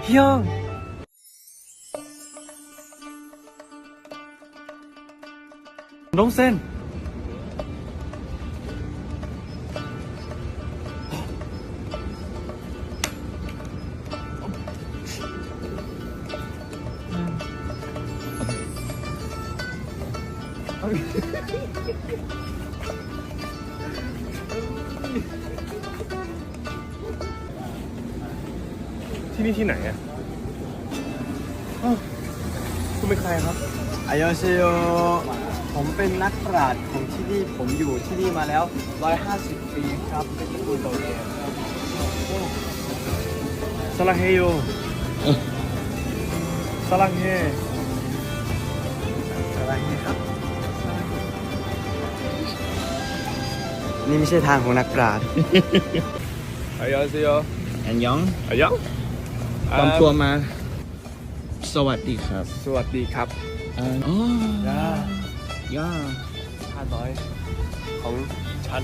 형! 롱센!ที่นี่ที่ไหนอ่ะคุณเป็นใครครับอายอเซโยผมเป็นนักปราชญ์ของที่นี่ผมอยู่ที่นี่มาแล้ว150 ปีครับเป็นตระกูลโตเกียวสลังเฮโยสลังเฮอะไรนี่ครับนี่ไม่ใช่ทางของนักปราชญ์อายอเซโยอันยองอายองปลอมตัวมา สวัสดีครับสวัสดีครับอ๋อย่าข้าน้อยของฉัน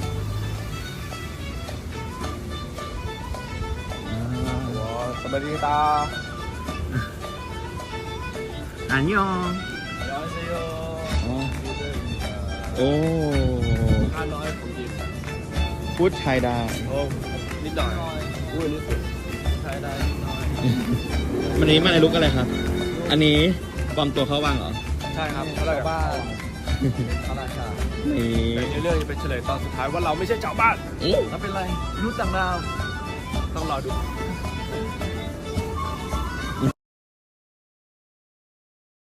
ว้าสวัสดีตาอันยองอายอเซโยอ๋อโอ้ข้าน้อยของยิมพูดไทยได้โอ้นิดหน่อยอุ้ยนิดสุดใช้ได้นิดหน่อยวันนี้มาในลุกอะไรครับ อันนี้ปลอมตัวเข้าวังเหรอใช่ครับเขาเรียกว่าพระราชานี่ในเรื่องจะเป็นเฉลยตอนสุดท้ายว่าเราไม่ใช่ชาวบ้านอื้อแล้วเป็นไรรู้ต่างดาวต้องรอดู